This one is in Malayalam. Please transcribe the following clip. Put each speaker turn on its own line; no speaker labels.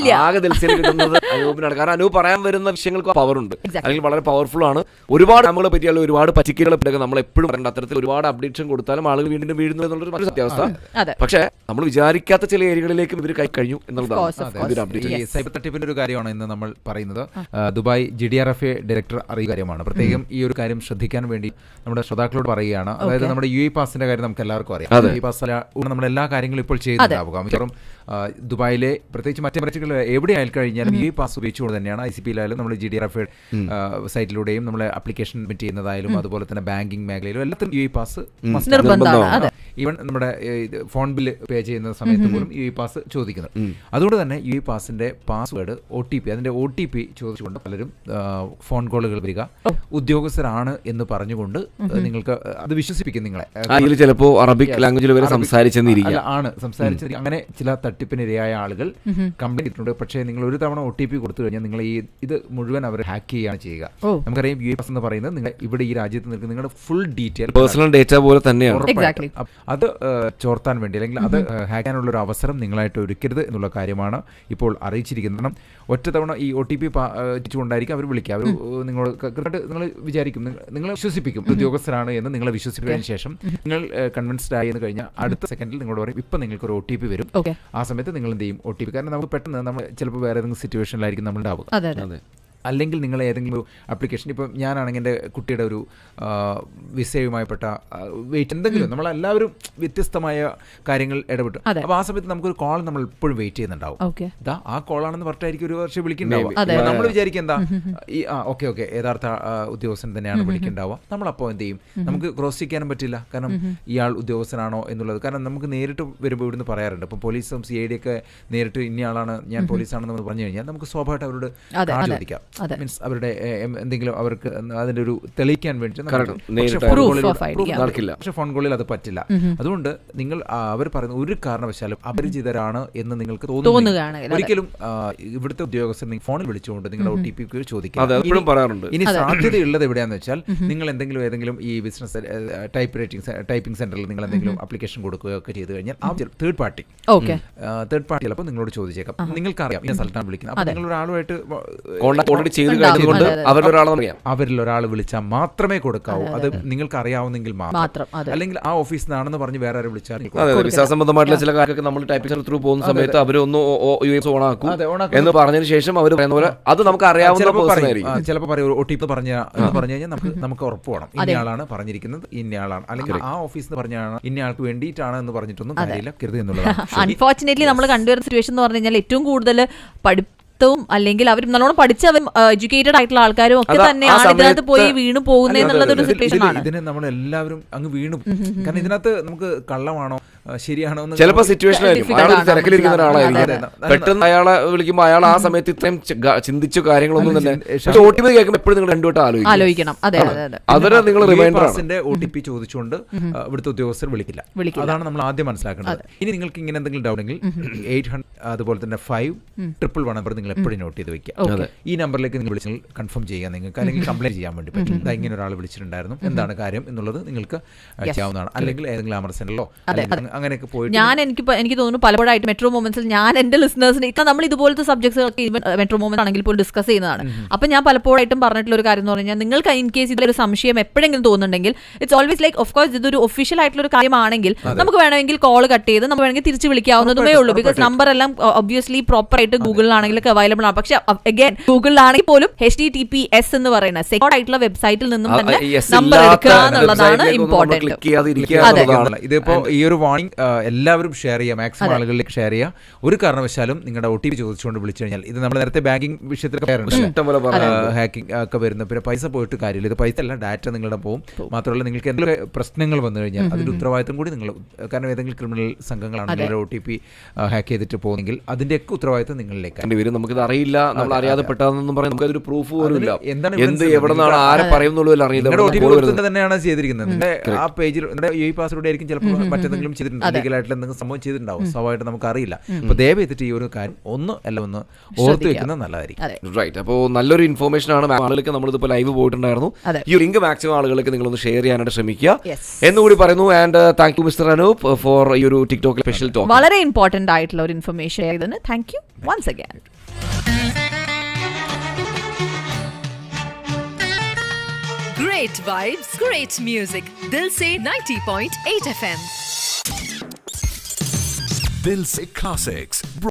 ആകെ ദിൽസയിൽ കിട്ടുന്നത് അനൂപിനാണ്. കാരണം അനൂപ് പറയാൻ വരുന്ന വിഷയങ്ങൾക്ക് പവറുണ്ട്, അല്ലെങ്കിൽ വളരെ പവർഫുൾ ആണ്. ഒരുപാട് നമ്മളെ പറ്റിയുള്ള ഒരുപാട് പറ്റിക്കലുകളെ പറ്റിയൊക്കെ നമ്മൾ എപ്പോഴും പറയേണ്ട അത്തരത്തിൽ ഒരുപാട് അപ്ഡേഷൻ കൊടുത്താലും ആളുകൾ വീണ്ടും വീഴുന്നു എന്നുള്ളൊരു മറ്റൊരു സത്യാവസ്ഥ. പക്ഷേ നമ്മൾ വിചാരിക്കാത്ത ചില ഏരിയകളിലേക്കും ഇവർ കൈ കഴിഞ്ഞു എന്നുള്ളതാണ്.
സൈബർ തട്ടിപ്പിന്റെ ഒരു കാര്യമാണ് ഇന്ന് നമ്മൾ പറയുന്നത്. ദുബായ് GDRFA ഡയറക്ടർ അറിയുന്ന കാര്യമാണ്. പ്രത്യേകം ഈ ഒരു കാര്യം ശ്രദ്ധിക്കാൻ വേണ്ടി നമ്മുടെ ശ്രോതാക്കളോട് പറയുകയാണ്. അതായത് നമ്മുടെ UAE പാസിന്റെ കാര്യം നമുക്ക് എല്ലാവർക്കും അറിയാം. UAE പാസ് നമ്മൾ എല്ലാ കാര്യങ്ങളും ഇപ്പോൾ ചെയ്യുന്നുണ്ടാവുക. മിക്കവാറും ദുബായിലെ പ്രത്യേകിച്ച് മറ്റേ മറ്റുള്ള എവിടെ ആയി കഴിഞ്ഞാലും UAE പാസ് ഉപയോഗിച്ചുകൊണ്ട് തന്നെയാണ് ICP-യിലായാലും നമ്മൾ GDRFA സൈറ്റിലൂടെയും നമ്മൾ ആപ്ലിക്കേഷൻ സബ്മിറ്റ് ചെയ്യുന്നതായാലും അതുപോലെ തന്നെ ബാങ്കിങ് മേഖലയിലും എല്ലാത്തിനും UAE പാസ് നിർബന്ധമാണ്. ഈവൻ നമ്മുടെ ഫോൺ ബില്ല് പേ ചെയ്യുന്ന സമയത്ത് പോലും UAE പാസ് ചോദിക്കുന്നത്. അതുകൊണ്ട് തന്നെ UAE പാസിന്റെ പാസ്വേഡ് OTP അതിന്റെ OTP ചോദിച്ചുകൊണ്ട് പലരും ഫോൺ കോളുകൾ വരിക, ഉദ്യോഗസ്ഥരാണ് എന്ന് പറഞ്ഞുകൊണ്ട് നിങ്ങൾക്ക് അത് വിശ്വസിപ്പിക്കും നിങ്ങളെ.
ചിലപ്പോൾ അറബിക് ലാംഗ്വേജിൽ വരെ സംസാരിച്ചെന്നിരിക്കും
അങ്ങനെ ചില തട്ടിപ്പിനിരയായ ആളുകൾ കംപ്ലൈന്റ് ഇട്ടിട്ടുണ്ട്. പക്ഷേ നിങ്ങൾ ഒരു തവണ OTP കൊടുത്തു കഴിഞ്ഞാൽ നിങ്ങൾ ഇത് മുഴുവൻ അവർ ഹാക്ക് ചെയ്യുകയാണ് ചെയ്യുക. നമുക്കറിയാം UAE പാസ് എന്ന് പറയുന്നത് നിങ്ങൾ ഇവിടെ ഈ രാജ്യത്ത് നിൽക്കുന്ന നിങ്ങളുടെ ഫുൾ ഡീറ്റെയിൽ
പേഴ്സണൽ ഡേറ്റ പോലെ തന്നെയാണ്.
അത് ചോർത്താൻ വേണ്ടി അല്ലെങ്കിൽ അത് ഹാക്ക് ചെയ്യാനുള്ള ഒരു അവസരം നിങ്ങളായിട്ട് ഒരുക്കരുത് എന്നുള്ള കാര്യമാണ് ഇപ്പോൾ അറിയിച്ചിരിക്കുന്നത്. കാരണം ഒറ്റ തവണ ഈ OTP കൊണ്ടായിരിക്കും അവർ വിളിക്കുക. അവർ നിങ്ങൾ നിങ്ങൾ വിചാരിക്കും, നിങ്ങളെ വിശ്വസിപ്പിക്കും ഉദ്യോഗസ്ഥരാണ് എന്ന് നിങ്ങളെ വിശ്വസിപ്പിച്ചതിന് ശേഷം നിങ്ങൾ കൺവിൻസ്ഡ് ആയി എന്ന് കഴിഞ്ഞാൽ അടുത്ത സെക്കൻഡിൽ നിങ്ങളോട് പറയും ഇപ്പം നിങ്ങൾക്ക് ഒരു OTP വരും. ആ സമയത്ത് നിങ്ങൾ എന്ത് ചെയ്യും? OTP കാരണം നമുക്ക് പെട്ടെന്ന് നമ്മൾ ചിലപ്പോൾ വേറെ ഏതെങ്കിലും സിറ്റുവേഷനിലായിരിക്കും നമ്മൾ ഉണ്ടാവുക. അല്ലെങ്കിൽ നിങ്ങൾ ഏതെങ്കിലും ഒരു ആപ്ലിക്കേഷൻ, ഇപ്പോൾ ഞാനാണെങ്കിൽ എൻ്റെ കുട്ടിയുടെ ഒരു വിസയുമായിപ്പെട്ട വെയിറ്റ് എന്തെങ്കിലും നമ്മളെല്ലാവരും വ്യത്യസ്തമായ കാര്യങ്ങൾ ഇടപെട്ടു. അപ്പോൾ ആ സമയത്ത് നമുക്കൊരു കോൾ നമ്മൾ എപ്പോഴും വെയിറ്റ് ചെയ്യുന്നുണ്ടാവും. ഇതാ ആ കോളാണെന്ന് പറഞ്ഞിട്ടായിരിക്കും ഒരു വർഷം വിളിക്കുന്നുണ്ടാവും. നമ്മൾ വിചാരിക്കും എന്താ ഈ ഓക്കെ യഥാർത്ഥ ഉദ്യോഗസ്ഥൻ തന്നെയാണ് വിളിക്കുന്നുണ്ടാവുക. നമ്മളപ്പോൾ എന്ത് ചെയ്യും? നമുക്ക് ക്രോസ് ചെയ്യാനും പറ്റില്ല. കാരണം ഇയാൾ ഉദ്യോഗസ്ഥനാണോ എന്നുള്ളത്. കാരണം നമുക്ക് നേരിട്ട് വരുമ്പോൾ ഇവിടുന്ന് പറയാറുണ്ട്. ഇപ്പം പോലീസും CID ഒക്കെ നേരിട്ട് ഇന്നയാളാണ് ഞാൻ പോലീസാണെന്ന് പറഞ്ഞു കഴിഞ്ഞാൽ നമുക്ക് സ്വാഭാവികമായിട്ട് അവരോട് കാർഡ് ചോദിക്കാം. മീൻസ് അവരുടെ എന്തെങ്കിലും അവർക്ക് അതിന്റെ ഒരു തെളിയിക്കാൻ വേണ്ടി. പക്ഷെ ഫോൺ കോളിൽ അത് പറ്റില്ല. അതുകൊണ്ട് നിങ്ങൾ അവർ പറയുന്ന ഒരു കാരണവശാലും അപരിചിതരാണ് എന്ന് നിങ്ങൾക്ക് തോന്നുന്നു ഒരിക്കലും ഇവിടുത്തെ ഉദ്യോഗസ്ഥർ നിങ്ങൾ ഫോണിൽ വിളിച്ചുകൊണ്ട് നിങ്ങളുടെ OTP ചോദിക്കാം. ഇനി സാധ്യതയുള്ളത് എവിടെയാണെന്ന് വെച്ചാൽ നിങ്ങൾ ഏതെങ്കിലും ഈ ബിസിനസ് ടൈപ്പിംഗ് സെന്ററിൽ നിങ്ങൾ എന്തെങ്കിലും ആപ്ലിക്കേഷൻ കൊടുക്കുകയൊക്കെ ചെയ്ത് കഴിഞ്ഞാൽ ആ തേർഡ് പാർട്ടി ചിലപ്പോൾ നിങ്ങളോട് ചോദിച്ചേക്കാം. നിങ്ങൾക്കറിയാം ഈ സ്ഥലത്താണ് വിളിക്കുന്നത്. അപ്പോൾ നിങ്ങൾ ഒരാളുമായിട്ട് അവരിൽ ഒരാൾ വിളിച്ചാൽ മാത്രമേ കൊടുക്കാവൂ. അത് നിങ്ങൾക്ക് അറിയാവുന്നെങ്കിൽ മാത്രം. അല്ലെങ്കിൽ ആ ഓഫീസിൽ നിന്നാണെന്ന് പറഞ്ഞ് വേറെ ആരും വിളിച്ചാൽ
വിസ സംബന്ധമായിട്ടുള്ള ചില കാര്യമൊക്കെ നമ്മൾ ടൈപ്പിംഗ് ത്രൂ പോകുന്ന സമയത്ത് അവരൊന്ന് ഓണാക്കും എന്ന് പറഞ്ഞതിന് ശേഷം അവർ പറയുന്ന പോലെ അത് നമുക്ക് അറിയാവുന്ന
ചിലപ്പോൾ പറയും OTP പറഞ്ഞു കഴിഞ്ഞാൽ നമുക്ക് ഉറപ്പ് വേണം ഇന്നയാളാണ് പറഞ്ഞിരിക്കുന്നത്, ഇന്നയാളാണ്. അല്ലെങ്കിൽ ആ ഓഫീസിൽ പറഞ്ഞാണ് ഇന്നയാൾക്ക് വേണ്ടിയിട്ടാണ് എന്ന് പറഞ്ഞിട്ടൊന്നും കാര്യമില്ല കരുത് എന്നുള്ളതാണ്.
അൺഫോർച്ചുനേറ്റ്ലി നമ്മൾ കണ്ടുവരുന്ന സിറ്റുവേഷൻ എന്ന് പറഞ്ഞു കഴിഞ്ഞാൽ ഏറ്റവും കൂടുതൽ അല്ലെങ്കിൽ അവർ നല്ലോണം പഠിച്ച എഡ്യൂക്കേറ്റഡ് ആയിട്ടുള്ള ആൾക്കാരും ഒക്കെ തന്നെയാണ് ഇതിനകത്ത് പോയി വീണു പോകുന്നതെന്നുള്ളതൊരു സിറ്റുവേഷൻ ആണ്.
ഇതിന് നമ്മൾ എല്ലാവരും അങ്ങ് വീണു. കാരണം ഇതിനകത്ത് നമുക്ക് കള്ളമാണോ ശരിയാണോ
ചിലപ്പോൾ സിറ്റുവേഷൻ തിരക്കിലിരിക്കുന്ന ഒരാളായിരിക്കും. പെട്ടെന്ന് അയാളെ വിളിക്കുമ്പോൾ അയാൾ ആ സമയത്ത് ഇത്രയും ചിന്തിച്ച കാര്യങ്ങളൊന്നും തന്നെ OTP കേൾക്കുമ്പോൾ എപ്പോഴും നിങ്ങൾ രണ്ടുവട്ടം
ആലോചിക്കണം.
അവരെ നിങ്ങൾ
OTP ചോദിച്ചുകൊണ്ട് ഇവിടുത്തെ ഉദ്യോഗസ്ഥർ വിളിക്കില്ല. അതാണ് നമ്മൾ ആദ്യം മനസ്സിലാക്കേണ്ടത്. ഇനി നിങ്ങൾക്ക് ഇങ്ങനെ എന്തെങ്കിലും ഡൗട്ട് ഉണ്ടെങ്കിൽ 800 അതുപോലെ തന്നെ 5111 നമ്പർ നിങ്ങൾ എപ്പോഴും നോട്ട് ചെയ്ത് വെക്കുക. ഈ നമ്പറിലേക്ക് നിങ്ങൾ വിളിച്ചാൽ കൺഫേം ചെയ്യാൻ നിങ്ങൾക്ക് അല്ലെങ്കിൽ കംപ്ലൈന്റ് ചെയ്യാൻ വേണ്ടി പറ്റും. ഇങ്ങനെ ഒരാൾ വിളിച്ചിട്ടുണ്ടായിരുന്നു, എന്താണ് കാര്യം എന്നുള്ളത് നിങ്ങൾക്ക് ചെയ്യാവുന്നതാണ്. അല്ലെങ്കിൽ ഏതെങ്കിലും അമർ സെന്ററിലോ അങ്ങനെയൊക്കെ പോയിട്ട്
എനിക്ക് തോന്നുന്നു പലപ്പോഴായിട്ട് മെട്രോ മൊമെന്റ്സിൽ ഞാൻ എന്റെ ലിസണേഴ്സിന് ഇപ്പം നമ്മൾ ഇതുപോലത്തെ സബ്ജക്ട്സ് മെട്രോ മൊമെന്റ് ആണെങ്കിൽ പോലും ഡിസ്കസ് ചെയ്യുന്നതാണ്. അപ്പം ഞാൻ പലപ്പോഴായിട്ടും പറഞ്ഞിട്ടുള്ള ഒരു കാര്യം എന്ന് പറഞ്ഞാൽ നിങ്ങൾക്ക് ഇൻ കേസ് ഇതിലൊരു സംശയം എപ്പോഴെങ്കിലും തോന്നുന്നുണ്ടെങ്കിൽ it's always like of course ഇതൊരു ഒഫീഷ്യൽ ആയിട്ടുള്ള ഒരു കാര്യമാണെങ്കിൽ നമുക്ക് വേണമെങ്കിൽ കോൾ കട്ട് ചെയ്ത് നമുക്ക് വേണമെങ്കിൽ തിരിച്ച് വിളിക്കാവുന്നതുമേ ഉള്ളൂ. ബിക്കോസ് നമ്പർ എല്ലാം ഒബ്വിയസ്ലി പ്രോപ്പർ ആയിട്ട് ഗൂഗിളിലാണെങ്കിലൊക്കെ അവൈലബിൾ ആണ്. പക്ഷെ അഗൈൻ ഗൂഗിളിലാണെങ്കിൽ പോലും HTTPS എന്ന് പറയുന്ന സെക്യൂർഡ് ആയിട്ടുള്ള വെബ്സൈറ്റിൽ നിന്നും തന്നെ നമ്പർ എടുക്കുക എന്നുള്ളതാണ് ഇമ്പോർട്ടന്റ്.
ഇതിപ്പോ ഈ ഒരു വാർണിംഗ് എല്ലാവരും ഷെയർ ചെയ്യുക, മാക്സിമം ആളുകളിലേക്ക് ഷെയർ ചെയ്യുക. ഒരു കാരണവശാലും നിങ്ങളുടെ OTP ചോദിച്ചുകൊണ്ട് വിളിച്ചു കഴിഞ്ഞാൽ ഇത് നമ്മൾ നേരത്തെ ബാങ്കിങ് വിഷയത്തിൽ ഹാക്കിംഗ് ഒക്കെ വരുന്ന പിന്നെ പൈസ പോയിട്ട് കാര്യമില്ല. ഇത് പൈസ അല്ല, ഡാറ്റ നിങ്ങളുടെ പോകും. മാത്രമല്ല നിങ്ങൾക്ക് എന്തെങ്കിലും പ്രശ്നങ്ങൾ വന്നു കഴിഞ്ഞാൽ അതിന്റെ ഉത്തരവാദിത്തം കൂടി നിങ്ങൾ, കാരണം ഏതെങ്കിലും ക്രിമിനൽ സംഘങ്ങളാണ് നിങ്ങളുടെ OTP ഹാക്ക് ചെയ്തിട്ട് പോകുന്നെങ്കിൽ അതിന്റെയൊക്കെ ഉത്തരവാദിത്തം നിങ്ങളിലേക്ക് വരും.
നമുക്കിത് അറിയില്ല, നമ്മൾ അറിയാതെ പെട്ടതെന്നും പറയാം. നമുക്കതൊരു പ്രൂഫ് പോലും ഇല്ല. എന്ത് എവിടെ നിന്നാണ് ആരെ പറയുന്നുള്ളൂ അറിയില്ല.
തന്നെയാണ് ചെയ്തിരിക്കുന്നത്. ആ പേജിൽ UAE പാസ്വേഡ് ആയിരിക്കും ചിലപ്പോൾ മറ്റെന്തെങ്കിലും ചെയ്തിട്ടുണ്ട്, ലീഗലായിട്ടുള്ള എന്തെങ്കിലും സംഭവം ചെയ്തിട്ടുണ്ടാവും. സ്വാഭാവികമായിട്ട് നമുക്ക് അറിയില്ല. അപ്പോൾ ദയവ് ചെയ്തിട്ട് ഈ ഒരു കാര്യം ഒന്ന് ഓർത്ത് വെക്കുന്നത് നല്ലതായിരിക്കും.
റൈറ്റ്. അപ്പോൾ നല്ലൊരു ഇൻഫോർമേഷൻ ആണ്. ആളുകൾക്ക് നമ്മളിതിപ്പോൾ ലൈവ് പോയിട്ടുണ്ടായിരുന്നു. ഈ ലിങ്ക് മാക്സിമം ആളുകൾക്ക് നിങ്ങളൊന്ന് ഷെയർ ചെയ്യാനായിട്ട് ശ്രമിക്കുക എന്നുകൂടി പറയുന്നു. And thank you mister Anoop for ഈ ഒരു ടിക്ടോക്ക് സ്പെഷ്യൽ ടോക്ക്.
വളരെ ഇമ്പോർട്ടന്റ് ആയിട്ടുള്ള ഒരു ഇൻഫർമേഷൻ ആയതിന് thank you once again.
Great vibes, great music. Dil se 90.8 FM.
Dil se Classics.